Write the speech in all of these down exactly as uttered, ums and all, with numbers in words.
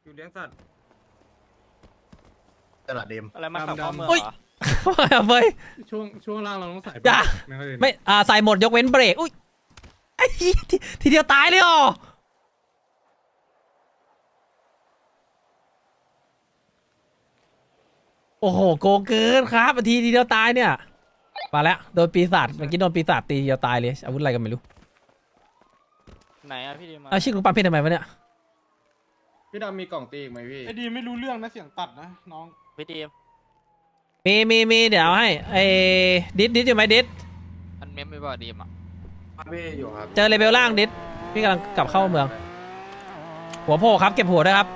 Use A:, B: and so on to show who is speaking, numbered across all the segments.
A: อยู่เลี้ยงสัตว์
B: ตลาดเดม
C: อะไรมาขับเข้าเมือง
D: เฮ้ย
C: เหรอ
D: เฟ้ย
E: ช่วงช่วงล่างเราต้องใส่
D: จ้ะ
E: ไม่ค่อยดี
D: ไม่อ่าใส่หมดยกเว้นเบรกอุ้ยไอ้เหี้ยทีทีเดียวตายเลยเหรอโอ้โหโกงเกินครับทีทีเดียวตายเนี่ยมาแล้วโดนปีศาจเมื่อกี้โดนปีศาจตีทีเดียวตายเลยอาวุธอะไรกันไม่รู้
C: ไหนอะพี่ดีมา
D: เอาชื่อคุณปั๊มเพชรทำไมวะเนี่ย
A: พี่ดำมีกล่องตีอีกไหมพี่
E: ไอ้ดีไม่รู้เรื่องนะเสียงตัดนะน้อง
C: พี่ดีม
D: มีมีมีเดี๋ยวเอาให้ไอ้ดิดดิดอยู่ไหมดิด
C: มันเมมไม่บอกดีมอ่ะ
A: พี่อยู่ครับ
D: เจอเลเวลล่างดิดพี่กำลังกลับเข้าเมือง หัวโผล่ครับเก็บหัวด้วยครับ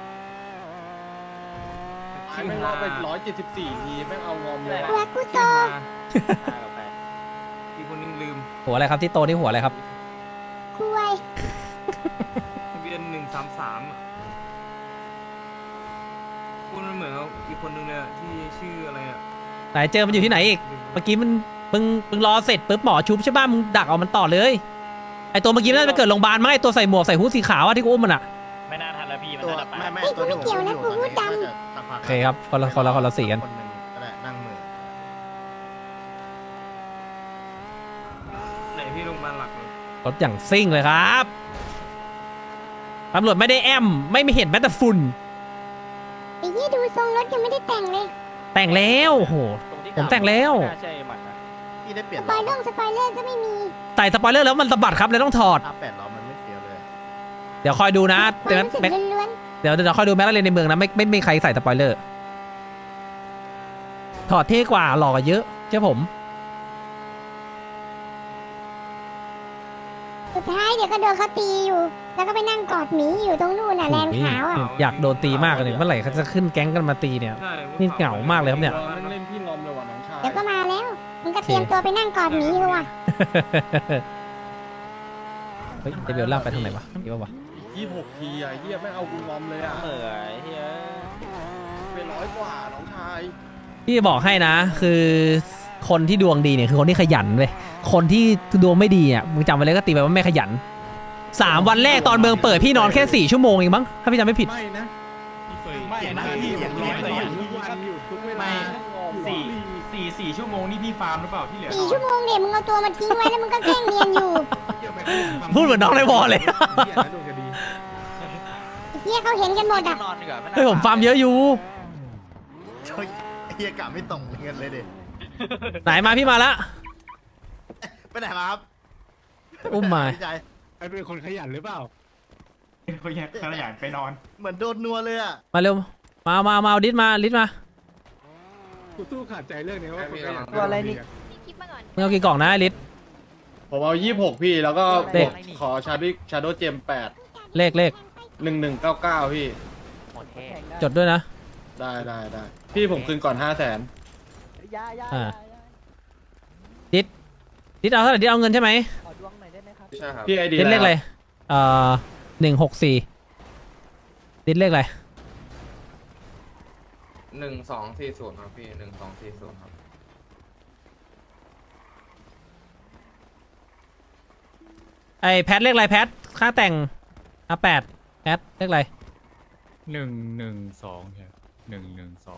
A: แม่งเอาไปร้อยเจ็ดสิบสี่ทีแม่งเอางอมเลย
F: รักกูโต
C: ตายกับใคร
A: อีกคนนึงลืม
D: หัวอะไรครับที่โตนี่หัวอะไรครับ
F: คุย
A: ทะเบียนหนึ่งสามสามคุณมันเหมือนกับอีกคนนึงเลยอะที่ชื่ออะไรอ่ะ
D: ไหนเจอมันอยู่ที่ไหนอีก เมื่อกี้มันมึงมึงรอเสร็จปุ๊บหมอชุบใช่ป่ะมึงดักเอามันต่อเลยไอตัวเมื่อกี้น่าจะไปเกิดโรงพยาบาลมั้งไอตัวใส่หมวกใส่ฮู้ดสีขาวอะที่กูอุ้มมันอะ
C: ไม่น่าทันแล้วพี่มัน
B: ตัว
C: น่าจะไป
B: ไม่ไม่ตัวที่ผมอยู่ตอนนี้น่าจะสักพัก
D: โอเคครับคนละคนละคนละสีกัน
B: คนหนึ่งก็ได้นั่งมือ
A: ไหนพี่โรงพยาบาลหลักเลย
D: รถอย่างซิ่งเลยครับตำรวจไม่ได้แอมไม่มีเห็นแม้แต่ฝุ่น
F: ไอ้ยี่ดูทรงรถยังไม่ได้แต่งเลย
D: แต่งแล้วโอ้โห
C: รงที่
D: ผมแต่งแล้ว
C: น่าใช่หมัดนะ
B: พี่ได้เปลี่ย
F: ส
B: น
F: ป
B: ล้
F: อ
B: อย
F: เลอร์สปอยเลอร์ก็ไม่มี
D: ใส่สปอยเลอร์แล้วมันสะบัดครับเลยต้องถอด
B: อาแปดล้อมันไม่เสียเลย
D: เดี๋ยวคอยดูนะ
F: ควา
D: เดี๋ยว
F: มรู้สึก
D: แม็ก
F: ล้วน
D: เดี๋ยวเดี๋ยวคอยดูแม็กลาเรนในเมืองนะไม่ไม่ไม่มีใครใส่สปอยเลอร์ถอดเท่กว่าหล่อกว่าเยอะเชื่อผม
F: ๆสุดท้ายเดี๋ยวก็โดนเขาตีอยู่ แล้วก็ไปนั่งกอดหมีอยู่ตรงนู่นน่ะแลนด์ขาวอ่ะ
D: อยากโดนตีมากเลยเมื่อไหร่เขาจะขึ้นแก๊งกันมาตีเนี่ย
A: ใช่
D: นี่เหงามากเลยครับเนี่ย
A: แม่งเล่นพี่งอมเลยว่ะน้องชาย
F: เดี๋ยวก็มาแล้วมันก็เตรียมตัวไปนั่งกอดหมีอยู่อ่ะ
D: เฮ้ยเดบิวล่างไปทางไหนวะนี่วะ
A: ยี่หกทีอ่ะเฮียแม่งเอากูงอมเลยอ่ะ
C: เหมื่อยเฮ้ย
A: เป็นร้อยกว่าน้องชาย
D: พี่บอกให้นะคือคนที่ดวงดีเนี่ยคือคนที่ขยันเว้ยคนที่ดวงไม่ดีอ่ะมึงจำไว้เลยก็ตีไปว่าไม่ขยันสามวันแรกตอนเมืองเปิดพี่นอนแค่สี่ชั่วโมงเองมั้งถ้าพี่จำไม่ผิด
E: ไม่นะ
G: ไม่นะพี่ผมร้อย
E: ไม่
G: ไม่
E: ทุกวันอยู่ทุกเวลา
G: สี่สี่สี่ชั่วโมงนี่พี่ฟาร์มหรือเปล่าที่เหลือ
F: สี่ชั่วโมงเดี๋ยวมึงเอาตัวมาทิ้งไว้แล้วมึงก็แกล้งเนียนอยู่
D: พูดเหมือนน้องในวอลเลย
E: เหี้ยนะโดนคดี
F: ไอ้เฮียเขาเห็นกันหมดอ่ะ
C: นอนดีกว่าไม่น่า
D: เฮ้ยผมฟาร์มเยอะอยู่
B: เฮ้ยเฮียกะไม่ตรงเงินเลยเด็
D: ไหนมาพี่มาละ
B: ไปไหนมาครับ
D: อุ้มมา
B: พี่ชาย
E: ไอ้เป็นคนขยันหรือเปล่า
G: เขาอยากขยันไปนอน
B: เหมือนโดนนัวเลยอ่ะ
D: มาเร็วมามามาเอาดิสมาดิสมา
E: กูตู้ขาดใจเรื่องนี้ว่าคนขยัน
F: ตัวอะไรนี่
D: มึงเอากี่กล่องนะไอลิส
A: ผมเอายี่หกพี่แล้วก็
D: เล
A: บ
D: ข
A: วกขอชาดิชาโดเจมแปด
D: เลขเลข
A: หนึ่งหนึ่งเก้าเก้าพี่
C: หมดแค่
D: จดด้วยนะ
A: ได้ได้ได้พี่ผมคืนก่อนห้าแสน
D: อ่าดิสดิสเอาเท่าไหร่ดิสเอาเงินใช่ไหม
A: ใช่ครับพี่ไอเดีย
D: ดิสเลขอะไรเอ่อหนึ่งหกสี่ดิสเลขอะไร
H: หนึ่งสองสี่ศูนย์ครับพี่หนึ่งสองสี่ศูนย์ครับ
D: ไอแพทเลขอะไรแพทค่าแต่งอ่ะแปดแพทเลขอะไร
G: หนึ่งหนึ่งสองใช่หนึ่งหนึ่งสอง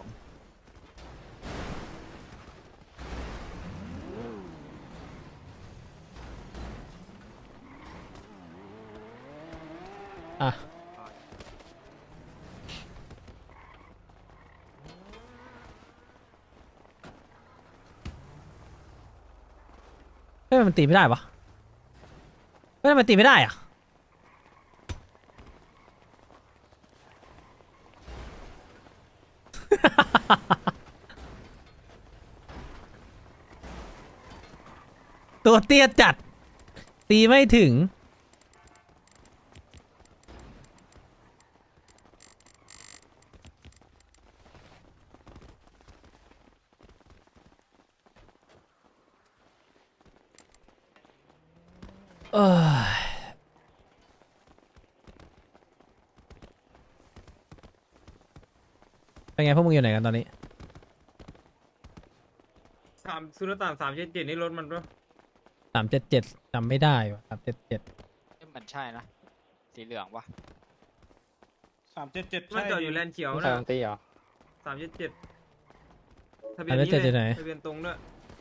D: อ่ะเฮ้ยมันตีไม่ได้ปะเฮ้ยทำไมตีไม่ได้อ่ะ ตัวเตี้ยจัด ตีไม่ถึง เออเป็นไงพวกมึงอยู่ไหนกันตอนนี้
A: สามซูนย์สามสามเจ็ดเจ็ดนี่รถมันปะ
D: สามเจ็ดเจ็ดจำไม่ได้ว่ะสามเจ็ดเจ็ด
C: นี่มันใช่นะ สีเหลืองวะ
E: ส
C: ามเจ็ดเจ็ด
A: มันจอดอยู่แลนด์เขียว
C: กา
A: นะ
C: รันตีเหรอ
A: สามเจ็ดเจ็ดทะเบียน
D: สามเจ็ด
A: นี้
D: เจ็ดอยู่ไหน
A: เลยทะเบียนตรงด้วย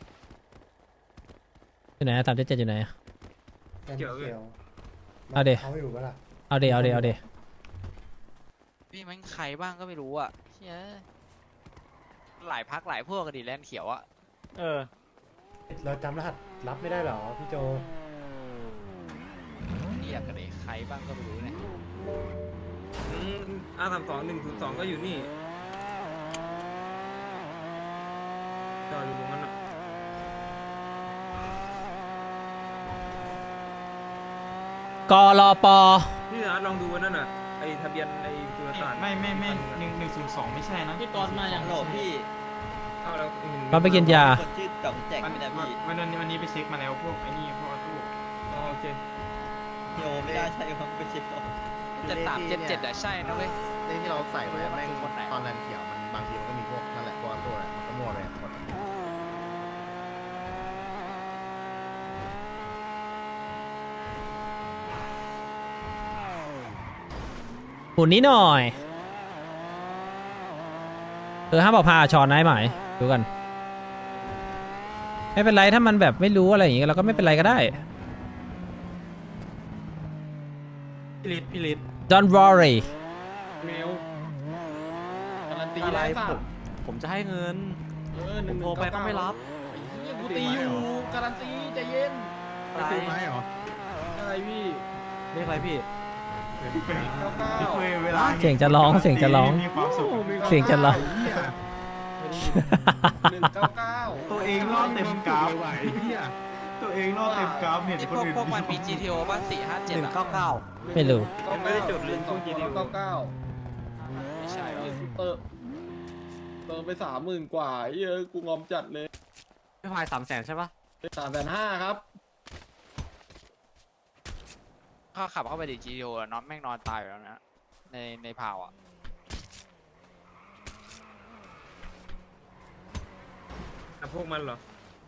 D: อยู่ไหนสามเจ็ดเจ็ดอยู่ไหน
A: เกี่ยวเลย
D: เอาเด
E: เขาอยู่ปะล่ะ
D: เอาเดเอาเดเอาเด
I: พี่มันใครบ้างก็ไม่รู้อ่ะเชี่ยหลายพักหลายพวกกันดิแลนด์เขียวอ่ะ
C: เออ
E: เราจำรหัสรับไม่ได้หรอพี่โจ
I: เรียกกันดิใครบ้างก็ไม่รู้เนี่ย
A: อาสามสองหนึ่งศูนย์สองก็อยู่นี่จอดอยู่ตรงนั้นอ่ะ
D: กรป
A: พี่อาร์ตลองดูนั่นน่ะไอทะเบียนไอตัวตาร
G: ไม่ไม่ไม่หนึ่งหนึ่งศูนย์สองไม่ใช่นะ
C: พี่ตอนมาอย่างโหลพี่
A: เข้าแล้วเห็น
D: เราไปกินยา
C: ชื่อกับแจก
G: วัน
C: ไม่ได้
G: วัน
C: พี่
G: วันนี้วันนี้ไปเช็คมาแล้วพวกไอ้นี่พวกตู้
A: อ๋อโอเค
C: โยไม่ได้ใช่ครับไปเช็ค
I: จะสามเจ็ดเจ็ดอะใช่นะเว้ย
B: เลขที่เราใส่ไว้แม่ง
I: คือคนไหน
B: ตอนแลนด์เขียวมันบางทีมันก็มีพวกนั่นแหละพวกตัวอะไรมันก็มั่วไปหมด
D: หุ่นนี้หน่อยเออห้ามบอกพาชอนนายหมายดูกันไม่เป็นไรถ้ามันแบบไม่รู้อะไรอย่างงี้เราก็ไม่เป็นไรก็ได้
C: พี่ลิศพี่ลิศ
D: don't worry
E: เมล
C: การันตีอะไรผมผมจะให้เงิน
E: เออห
C: ผ
E: นึ่
C: ม
E: ง
C: โทรไปก็ไม่รับ
E: กูตีอยู่การันตีใจเย็น
C: อะไร
E: ตีไม้เหรออะไรพี่
C: เรียกอะไรพี่
G: พี่เฟย
E: เก้าเก้า
G: พี่เฟยเวลา
D: เสียงจะร้องเสียงจะร้อง
G: มีความสุข
D: เสียงจะร้อง
E: หนึ่งเก้าเก้า
G: ตัวเองรอดเต็มกราฟ
E: ไหวเฮีย
G: ตัวเองรอดเต็มกราฟเห็น
I: นี่
G: ค
I: พ
G: น
I: วก
G: อื่น
I: พวกมันมี จี ที โอ ป่ะสี่ห้าเจ็ดอะ
D: ไม่รู้
A: ยังไม่ได้จดเลยพวก จี ดี โอ
E: เก้าเก้า
I: ไม่ใช่หรอ
E: เติมเติมไปสามหมื่นกว่าเยอะกูงอมจัดเลย
C: ไม่พายสามแสนใช่ปะ
E: สามแสนห้าครับ
I: เขาขับเข้าไปดิ จี ที โอ อะนอนแม่งนอนตายอยู่แล้วนะในในพาวอ่ะ
A: แต่พวกมันเหรอ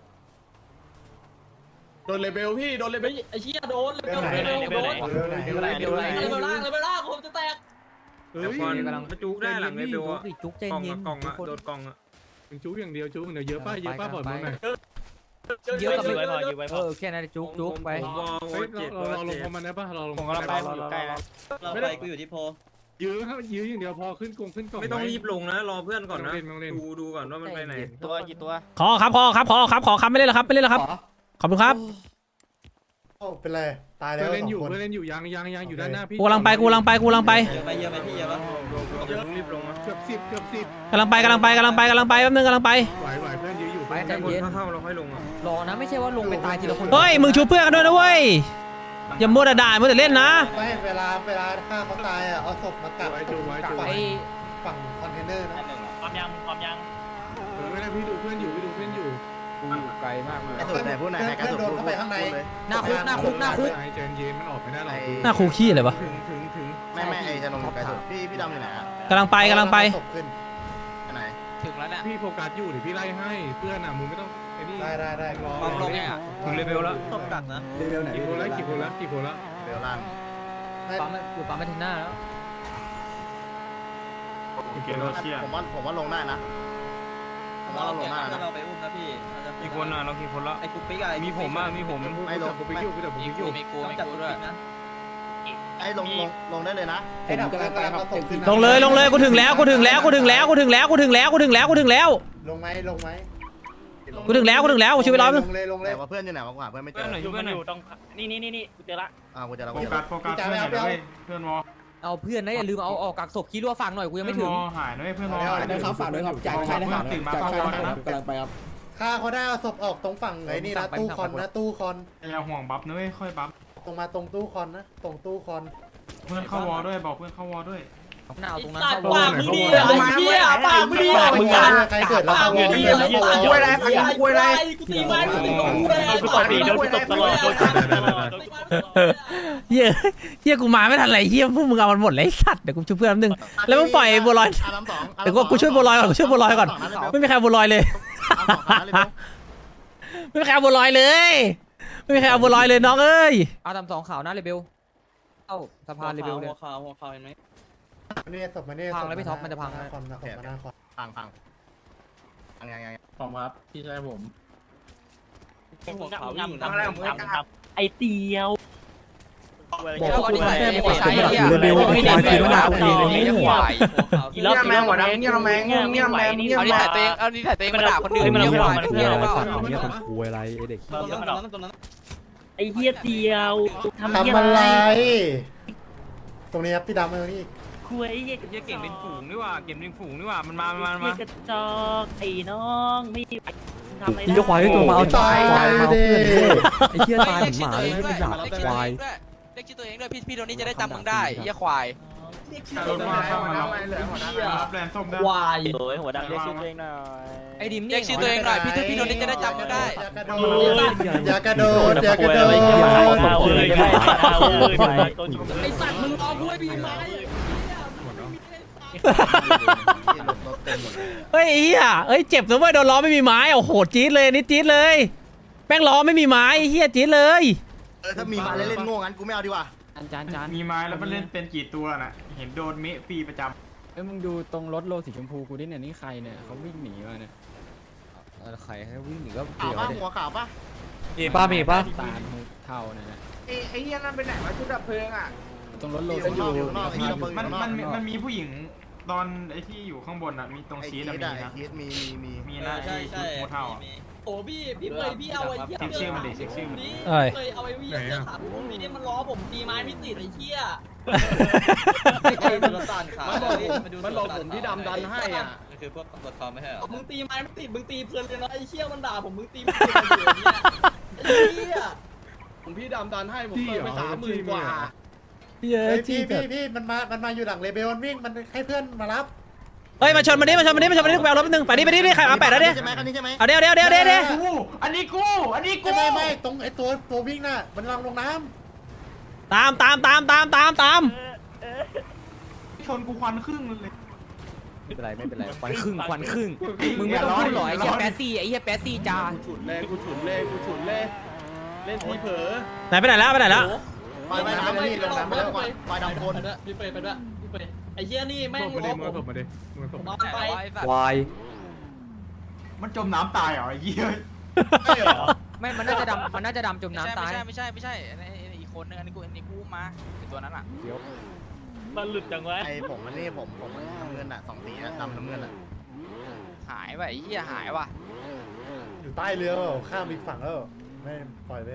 E: โดนเลเบลพี่โดนเลเบลไอ้เชี่ยโดนเลเบลเลเบลโดน
I: เดี๋ยวไหนเดี๋ยวไหน
E: เลเบลล่างเลเบลล่างผมจะแตก
A: แต่พอกำลังจุกได้หลังเลยเบลอะกล่องอะกล่องอะโดดกล่องอะ
E: จุกอย่างเดียวจุกอย่างเดียวเยอะป่ะเยอะป่ะปล่อยมันหน่อย
C: เยอะกับไว้พออยู่ไว้พอ
I: แค่นั้นจุก
A: จุกไปวอล
E: เฮ้ย
A: เจ็ด
E: เรา
A: วอล
E: เราลง
A: เจ็ด
E: พอมันได้ป่ะเราลง
C: ผมกำลังไปผมอยู่ใกล้แล้วเราไปกูอยู่ที่โพ
E: ยื้อครับยื้ออย่างเดียวพอขึ้นกงขึ้นกล่อง
A: ไม่ต้องรีบลงนะรอเพื่อนก่อนนะ
E: ไม่ต้องเล่นไม่ต้องเล่น
A: ดูดูก่อนว่ามันไปไหน
C: ตัวกี่ตัว
D: ขอครับขอครับขอครับขอครับไม่เล่นแล้วครับไม่เล่นแล้วครับขอบคุณครับ
J: เป็นไรตายแล้
E: เพื่
J: ว
E: อเล่น
J: สอ
E: อยู่
J: งคน
E: เพื่อเล่นอยู่ยังยังยังอยู่ด้านหน้าพี่
D: กูกำลังไปกูกำลังไปกูกำลังไป
C: เยอะไปเยอะไปพี่เยอะปะ
A: เดี๋ยวรีบลงนะ
E: เกือบสิบเกือบสิบ
D: กำลังไปกำลังไปกำลังไปกำลังไปแป๊บนึงกำลังไป
E: ไหวไหวเพื่อนยื้ออยู่
A: ไปแต่คนเท่าๆเราค่อยลงอะ
I: รอนะไม่ใช่ว่าลงไปตายทีละคน
D: เฮ้ยมึงชูเพื่อนกันด้วยนะเว้ยอย่ามัวแต่ด่ามัวแต่เล่นนะ
J: ไม่เวลาเวลาฆ่าเขาตายอ่ะเอาศพมากัก
E: ไว้จูไว้จู
J: ฝั่ง
I: ไอ้
J: ฝั่งคอนเทนเนอร์นะ
C: ความยังความยัง
E: เออไม่ได้พี่ดูเพื่อนอยู่พี่ดูเพื่อนอยู่
C: ไกลมากเลย
B: ไอ้สุดไหนพูดไหนใครกระสุนพูดเลย
I: หน้าคุกหน้าคุกหน้าคุก
E: ใจเย็นเย็นมันออกไม่ได้หรอก
D: หน้าคูขี้เลยวะ
A: ถึงถึงถึง
B: ไม่ไม่ไอ้จะลงไกลสุดพี่พี่ดำอยู่ไหนอะ
D: กำลังไปกำลังไป
J: ศพขึ้น
B: อันไหน
I: ถึงแล้วเนี่ย
E: พี่โฟกัสอยู่เดี๋ยวพี่ไล่ให้เพื่อนอ่ะมึงไม่ต้องไอ้นี่
J: ได้ได้ได้
E: รอ
I: ความลงเนี่ย
A: ถึงเลเวลแล้ว
C: ตบกักนะ
J: เลเวลไหน
E: กี่คนแล้วกี่คนแล้วกี่คนแล้ว
B: เบลล่าง
I: ปั๊มอยู่ปั๊มไปถึงหน้าแล้ว
G: โอเคเราเชียร์
B: ผมว่าผมว่าลงได้นะผมว่าเราลงได้นะ
C: เราไปอุ้มนะพี่
A: กี่คนอะเรากี่คนละ
C: ไอ้กุ๊กปิ๊กอะไร
A: มีผมอะมีผม
B: ไม่ลง
E: ผมไปยุ่งพี่เดี๋ยวผม
I: มี
E: ไป
I: กู
E: ยุ่ง
I: มีกู
C: ต้อง
I: มี
C: จับ
I: กู
C: กุ๊ก
I: ด้วย
C: ปิ๊กนะ
B: ไอ้ลงลงลงได้เลยนะ
J: ไอ้ดับกำลังกำลังเอาศพขึ้น
D: ลงเลยลงเลยกูถึงแล้วกูถึงแล้วกูถึงแล้วกูถึงแล้วกูถึงแล้วกูถึงแล้วกูถึงแล้ว
J: ลงไหมลงไหม
D: กูถึงแล้วกูถึงแล้วกูช่วยไปรอบนึง
J: ลงเลยลงเล
B: แต่
J: ย
B: ว่าเพื่อนอยู่ไหนวะกูหาเพื่อนไม่เจ
A: เพื่อน
B: อ
A: หน่อยช่วยเพื่อนหน่อย
C: ต้องนี่นี่นี่นี่กูเจอละ
B: อ่ากูจะเรา
G: โฟกัสโฟกัสเพื่อนหน่อยด้วยเพื่อนวอ
I: เอาเพื่อนนะอย่าลืมเอาออกกักศพคิดว่าฟังหน่อยกูยังไม่ถึง
G: เพื่อนวอหายด้วยเพื่อนวอหายด้วย
J: นะครับฝากด้วยครับจ่ายค่าทหาร
G: ตื่นมาเข้าวอนะ
J: กำลังไปครับฆ่าเขาได้เอาศพออกตรงฝั่งไอ้นี่นะตู้คอนนะตู้คอน
G: อย่าห่วงบัฟนะเว้ยค่อยบัฟ
J: ตรงมาตรงตู้คอนนะตรงตู้คอน
G: เพื่อนเข้าวอด้วยบอกเพื่อนเข้าวอด้วย
I: หน้าเอาตรงนั้น
E: ปา
I: เข้าก
E: มึงดี
J: ไอ้เหี้ยปากมึงดีมึงใครเกิดแล้วเขาบอกเลยแล้วเขาบอก
B: คุยอะไรพักคุยอะไร
C: กูตีมันกูตบดีโดนกูตบตลอดโดน
D: เฮียเฮียกูมาไม่ทันไรเฮียพวกมึงเอามันหมดเลยไอ้สัตว์เดี๋ยวกูช่วยเพื่อนแป๊บนึงแล้วมึงปล่อยบัวลอย
B: อาน้ำสอง
D: เดี๋ยวกูกูช่วยบัวลอยก่อนกูช่วยบัวลอยก่อนไม่มีใครเอาบัวลอยเลย ไม่มีใครเอาบัวลอยเลยไม่มีใครเอาบัวลอยเลยน้องเอ้ย
I: เอาตามสองข่าวหน้าเลเบลเอ้าสะพานเลเบลเลย
C: หัวขาวหัวขาวเห็นไหม
J: เนี่ยศพมาเนี่ย
C: พังแล้วพี่ท็อปมันจะพัง
J: หน้าคอมหน้าคอมหน้าคอม
B: พังพังพังยังไง
E: ผมครับพี่ชายผม
I: หัวขาววิ่ง
H: ทำอะไรผมไม่กล้า
C: ไอเตียว
I: บอกว่าแค่ไม่ใช่
C: เดี๋ยวเดี๋ยวไม่ได้ไม่ได้ไม่ไหว
H: เงี้ยแมงหัวดำเงี้ยแมงเงี้ยแมงเงี้ย
I: เอา
H: แม
I: นิสั
H: ง
I: ยตัวเองเอานิสัยตัวเองมาด่าคนอื่นเงี้ยหวานเงี้ยหรือเปล่า
J: เนี่ยคนคุยอะไรไอเด็ก
C: ไอเฮียเตียวทำ
J: ทำอะไร ตรงนี้ครับพี่ดำมาตรงนี้
C: คุยเฮีย
A: เหี้ยเก่งเป็นฝูงนี่ว่าเก่งเป็นฝูงนี่ว่ามันมามันมา
C: กระจอกไอ้น้องไม่ทำอะไร
J: พี่ควายตัวมาเอาตายดิ
I: ไอ้เหี้ยตายเหมือนหมาเลยไม่เป็นหมาควายเรียกชื่อตัวเองด้วยพี่พี่โดนี่จะได้จำมึงได้เหี้ยควาย
A: รถมาเข้ามาแล้วรับแลนส้มได้
C: วายโอ้ยหัวดำเรียกชื่อตัวเองหน่อยไอ้ดิม
I: เรียกชื่อตัวเองหน่อยพี่พี่โดนี่จะได้จำมึงได้
J: อย่ากระโดดอย่ากระโดด
C: เอาเลยเอาเลย
J: ไอสัตว์มึงรอกูให้บีไม้
D: เฮ้ยไอ้เหี้ยเฮ้ยเจ็บนะเว้ยโดนล้อไม่มีไม้โอ้โหจี๊ดเลยนี่จี๊ดเลยแป้งล้อไม่มีไม้ไอ้เหี้ยจี๊ดเลย
B: เออถ้ามีมาเล่นๆโง่งั้นกูไม่เอาดีกว่า
C: จานจาน
A: มีไม้แล้วมันเล่นเป็นกี่ตัวน่ะเห็นโดนเมะฟรีประจ
G: เอ้ยมึงดูตรงรถโลสีชมพูกูดิเนี่ยนี่ใครเนี่ยเขาวิ่งหนีมาเนี่ย
C: ใครให้วิ่งหนีก็
B: ขาวป่ะหัวขาวป่ะ
C: มีป้ามีป้า
G: ตาลเท่าเนี่ยนะ
H: ไอ้ไอ้เหี้ยนั่นเป็นไหนวะชุดดับเพลิงอ่ะ
G: ตรงรถโล
B: อยู่
G: สี
B: ข้างนอกอยู่ข้างนอกไอ้
A: ำ
B: ที่ระเบิด
A: มัน
B: ข้างนอก
A: มันมันมีผู้หญิงตอนไอ้ที่อยู่ข้างบนอ่ะมีตรง
B: ไอ้
A: ชี
B: ชี
A: ส
B: ส
A: อะมี
B: อะไอ้
A: นะ
B: ชีสมีมีมี
A: มีนะไอ้ชุดโมเท่าอะ
C: โอ้พี่พี่เคยพี่เอาไอ้เหี้ย
A: เช็คชื่อมันดิเช็คชื่อมัน
D: เอ้ย
C: เคยเอาไอ้เหี้ยเสื้อขาวพวกนี้มันล้อผมตีไม้ไม่ติดไอ้เหี้ย
E: มันบอกผมมันบอกผมที่ดำดันให้อ่ะ
C: คือพวกตำรวจคอมไม่ใช่เหรอ
K: มึงตีไม้ไม่ติดมึงตีเพลินเลยนะไอ้เชี่ยมันด่าผมมึงตีไม่ติดเลยเนี่ยไอ้เชี่ย
E: ผมพี่ดำดันให้ผมเติมไปสามหมื่นกว่า
D: เยอะ
J: พี่
D: จี๊
J: พี่
D: ด
J: พี่มันมามันมาอยู่หลังเลเบลมันวิ่งมันให้เพื่อนมารับ
D: เฮ้ยมาชนมันดิมาชนมันดิมาชนมันดิกูไปเอารถแป๊บนึงไปดิไปดิไปดิใครมาแปดแล้วดิ
B: ใช่ไหมคันนี้ใช่ไหม
D: เอาเดี๋ยวเดี๋ยวเดี๋ยวเดี๋ยวเดี๋ยว
A: กูอันนี้กูอันนี้กู
J: ไม่ไม่ไม่ตรงไอตัวตัววิ่งน่ะมันวางลงน้
D: ตามตามตามตามตามตาม
A: ชนกูควันครึ่งเลย
C: ไม่เป็นไรไม่เป็นไรควันครึ่งควันครึ่ง
A: มึงไม่ต้องพูดหรอกไอ้เหี้ยแป๊ด
C: ซี่ไอ้เหี้ยแป๊ดซี่จ้า
E: กูฉุนเลยกูฉุนเลยกูฉุนเลยเล่นทีเผลอ
D: ไหนไปไหนแล้วไปไหนแล้ว
B: ปล่อยไปน้ำไปนี่ลงน้ำไปแล้วก่อนปล่อยดำคน
K: ไปด้วยพี่เฟยไปด้วยพี่เฟยไอ้เชี่ยนี่แม่ง
A: มา
K: ล้
A: ดิ
K: อ
A: มือ
K: ผ
A: ผม มมาดิมือผม
K: ผมเอา
I: แต่
K: ไป
I: ว่าไอ้สัตว์
C: วาย
A: มันจมน้ำตายเหรอไอ้เหี้ย
C: ไม่มันน่าจะดำมันน่าจะดำจม
I: ไม่ใช่
C: น้ำตาย
I: ไม่ใช่ไม่ใช่ไม่ใช่อันนี้อีกคนนึงอันนี้กูอันนี้กูมาไอ้ตัวนั้นอ่ะ
C: มันหลุดจังวะ
B: ไอ้ผมมันนี่ผมผมน้ำเงินอ่ะสองสีอะดำน้ำเงินอ่ะ
I: หายว่ะไอ้เหี้ยหายว่ะ
J: ำอยู่ใต้เรือเปล่าข้ามอีกฝั่งแล้วไม่ปล่อยไป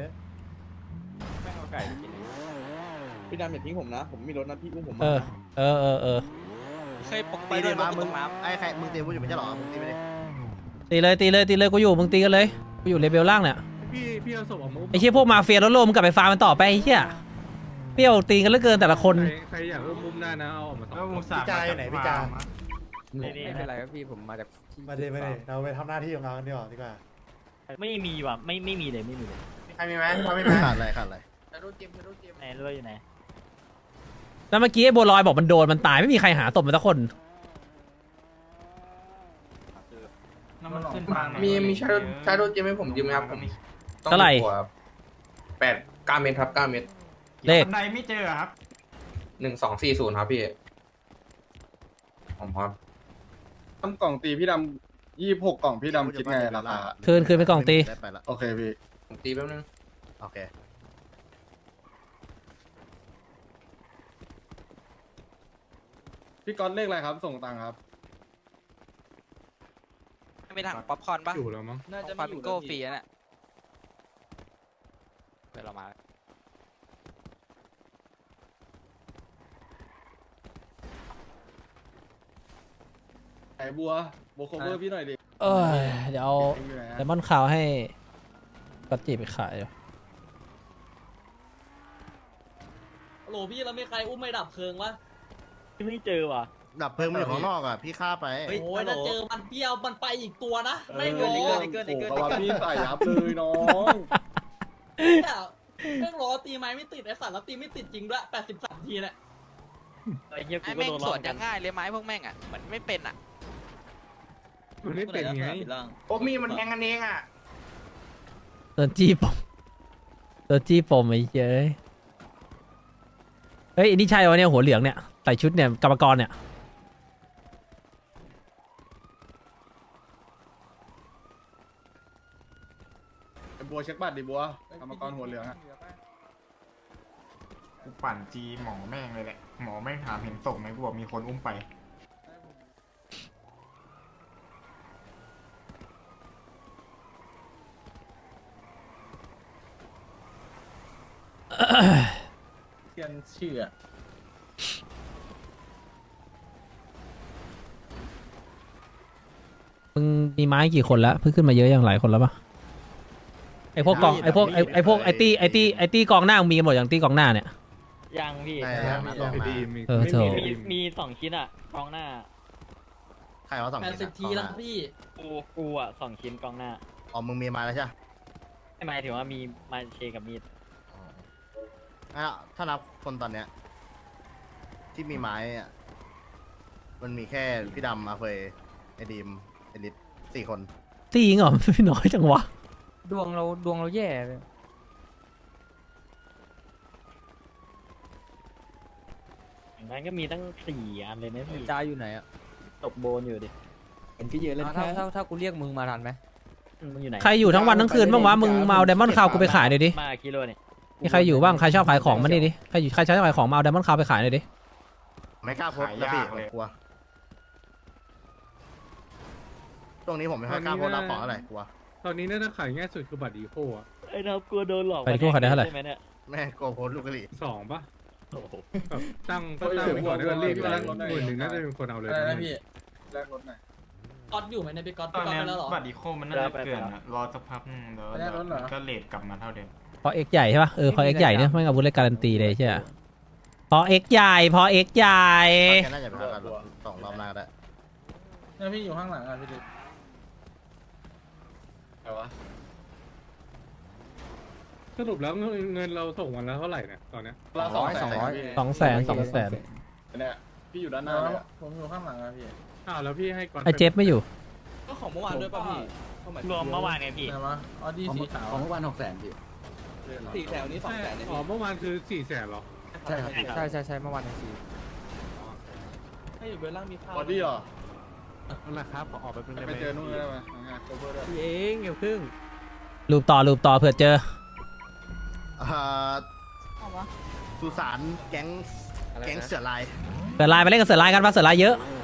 E: พี่ดำอย่าทิ้งผมนะผมมีรถนะพี่อุ้มผม
D: เออเออเออเออ
I: เคยปก
B: ตี
I: ติ
B: เดี
I: เลย ย
B: มา
I: มา
B: มึ
I: มึ
B: ง
I: งน้
B: ไอ้ใครมึงตีกูอยู่ไม่ใช่หรอมึงตีไปดิ
D: ตีเลยตีเลยตีเลยกูอยู่มึงตีกันเลยกูอยู่เลเวลล่างเนี่ย
A: พี่พี่เอาศพออกมา
D: ไอ้เหี้ยพวกมาเฟียรถโลมงกลับไปฟาร์มมันต่อไปไอ้เหี้ยเปรี้ยวตีกันเหลือเกินแต่ละคน
A: ใครอยากอุ้มมุมได้นะเอาออกมาแล้วมุมสาม
J: ไม่
C: ไม่เป็นไรครับพี่ผมมาจาก
J: มาเดมาเดเราไปทำหน้าที่ของเรากันดีกว่าดีกว่า
C: ไม่มีว่ะไม่ไม่มีเลยไม่มีเลย
H: ใครมีไหมใครมีไหม
B: ขาดอะไรขาดอะไร
C: ไหนเรืออยู่ไหน
D: แล้วเมื่อกี้ไอ้บัวลอยบอกมันโดนมันตายไม่มีใครหาศพมันสักคน
A: น้ำมันขึ้นฟัง
H: มีมีใช้รถใช้รถเจมให้ผมยืมไหมครับผม
D: เท่าไหร่
H: แปดเก้าเมตรครับเก้าเมตร
D: เลข
A: บันไดไม่เจอครับ
H: หนึ่งสองสี่ศูนย์ครับพี่ผมครับ
E: ทำกล่องตีพี่ดำยี่สิบหกกล่องพี่ดำคิดไงราคา
D: คืนคืนไปกล่องตี
B: ได้ไปละ
E: โอเคพี่
H: ผมตีแป๊บนึง
B: โอเค
E: พี่ก๊อตเลขอะไรครับส่งตังค์ครับ
I: ำไม่ถังป๊อปคอร์นปะ
A: อยู่แล้วมั้ง
K: น่าจะ
I: ฟา
K: ไม่อยู่
I: บิโก้ฟรีน่ะเดี๋ยวเรามา
E: ไหนบัวบัวโคเวอร์พี่หน่อยดิ
D: เออเดี๋ยวเอา
E: อยู่ไหน
D: ไดมอนด์ขาวให้ก็จีไปขายอยู่
K: โหลพี่แล้วไม่ใครอุ้มไม่ดับเพลิงวะ
C: ไม่เจอว่ะ
B: ดับเพลิงมันอยู่ข้างนอกอ่ะพี่ฆ่าไป
K: โอ้ยถ้าเจอมันเปี้ยวมันไปอีกตัวนะ
E: เอ
K: ไม่
E: อ
K: ร้อ
E: โอ้
K: ง
E: โหกว่าพี่ใส่ยับเลยน้อง
K: เนี่ยแม่งล้อตีไม้ไม่ติดไอ้สัตว์แล้วตีไม่ติดจริงด้วยแปดสิบสามทีเนี่ย
C: ไอ้เหี้ยกู
I: ไอ้
C: ก็
I: แม่ง
C: โดน
I: ส
C: ล้อ
I: วนจะง่ายเลยไม้พวกแม่งอ่ะเหมือนไม่เป็นอ่ะ
A: มันไม่เป็นไง
H: โอ้มีมันแทงกันเองอ่ะ
D: โดนจี้ปมโดนจี้ปมไอ้เจ้ยเฮ้ยอันนี้ใช่วะเนี่ยหัวเหลืองเนี่ยส่ชุดเนี่ยกรรมกรเนี่ย
E: ไอ้บัวเช็คบัตรดิบัวกรรมกรหัวเหลืองอะ
B: กูปั่นจีหมอแม่งเลยแหละหมอแม่งถามเห็นศพไหมกูบอกมีคนอุ้มไป
E: เทียนชื่ออะ
D: มึงมีไม้กี่คนแล้วเพิ่งขึ้นมาเยอะอย่างหลายคนแล้วปะไอพวกกองไอพวกไอไอพวกไอตี้ไอตี้ไอตี้กองหน้ามึงมีกันหมดอย่างตี้กองหน้าเนี่ย
G: ยังพี่
J: ใช่ครับมา
A: มี
J: มา
A: ดีมี
D: เออโถ
G: มีมีสองชิ้นอ่ะกองหน้า
J: ใครว่าสอง
K: แปดสิบทีแล้วพี่
G: กูกูอ่ะสองชิ้นกองหน้า
J: อ๋อมึงมีมาแล้วใช่ไหม
G: ไม่หมายถึงว่ามีมาเชกับมีด
J: อ่ะถ้านับคนตอนเนี้ยที่มีไม้อ่ะมันมีแค่พี่ดำอาเฟยไอดีมไอลิสสี่คน
D: ตี้ยิงเหรอ ไม่น้อยจังวะ
G: ดวงเราดวงเราแย่เลยอย่างนั้นก็มีตั้งสี่อันเลยนะพี่จ้าอยู่ไหนอ่ะตกโบนอยู่ดิเห็นพี่เยอะเล่นแค่ถ้าถ้ากูเรียกมึงมาทันไหมมึงอยู่ไหน
D: ใครอยู่ทั้งวันทั้งคืนบ้างวะมึงมาเอาไดมอนด์คาวกูไปขายหน่อยดิ
G: มากิโลเนี่ย
D: มีใครอยู่บ้างใครชอบขายของมานี่ดิใครอยู่ใครชอบขายของมาเอาไดมอนด์คาวไปขายหน่อยดิ
J: ไม่กล้าโพสต์นะพี่กลัวช่วงนี้ผมไม่ค่อยกล้าโพสต์รับของอะไรกลัว
A: ตอนนี้น่าจะขายง่ายสุดคือบัตรอีโคอะ
G: ไอ้เรากลัวโดนหลอก
D: ไปดิพวกขายได้เท่าไหร่
G: ใช่ไหมเนี่ย
J: แม่กลัวโพสต์ลูกกะหรี่
A: สองปะแบบตั้งก็ตั้งไว้ก่อนแล้วรีบตั้งหมื่นหนึ่งน่าจะเป็นคนเอาเลย
E: อะไรนะพี่แลกรถหน่อย
K: ก๊อตอยู่ไหมเนี่ยพี่ก๊อต
B: ตอน
K: พี่ก๊อต
B: นี้
K: ไปแล้วเหรอ
B: บัตรอีโคมันน่าจะเกินอะรอสักพักนึงเดี๋ยวก็เลทกลับมาเท่าเดิม
D: พอเอ็กใหญ่ใช่ปะเออพอเอ็กใหญ่เนี่ยไม่อาวุธเลยการันตีเลยใช่ไหมพอเอ็กใหญ่พอเอ็กใหญ่
J: แค่น่าจะไปหากันสองรอบหน้าก็ได้
E: เนี่ยพี่อยู่ข้างหลังอะพี่ดิแต่ว่า
A: สรุปแล้วเงินเราส่งวันละเท่าไหร่เนี่ยตอนเนี้ย
E: เราสองแสน
D: สองแสนสองแสน
E: เนี่ยพี่อยู่ด้านหน้าเลยผมอยู่ข้างหลังอะพี่
A: อ้าวแล้วพี่ให้ก่อน
D: ไอเจฟไม่อยู่
K: ก็ของเมื่อวานด้วยป่ะพี่
G: รวมเมื่อวานไงพี่
E: ไหนวะอ๋อดีสีขาว
C: ของเมื่อวานหกแสนพี่
K: สี่แถวนี้สองแสน
A: อ๋อเมื่อวานคือสี่แสนหรอ
C: ใช่ครับ
G: ใช่ใช่ใช่เมื่อวานสี่
K: ให้อยู่เบลล่างมีข้าว
E: บอดี้เหรอ
A: นั่นแหละครับขอออกไปเพิ่งได้
E: ไปเจอนู่นได้ไหมงานโคเวอร์ด้วย
G: พี่เองเดี๋ยวครึ่ง
D: รูปต่อรูปต่อเผื่อเจอ
J: เอ่อสุสานแก๊งแก๊งเสือลาย
D: เสือลายไปเล่นกับเสือลายกันปะเสือลายเยอะ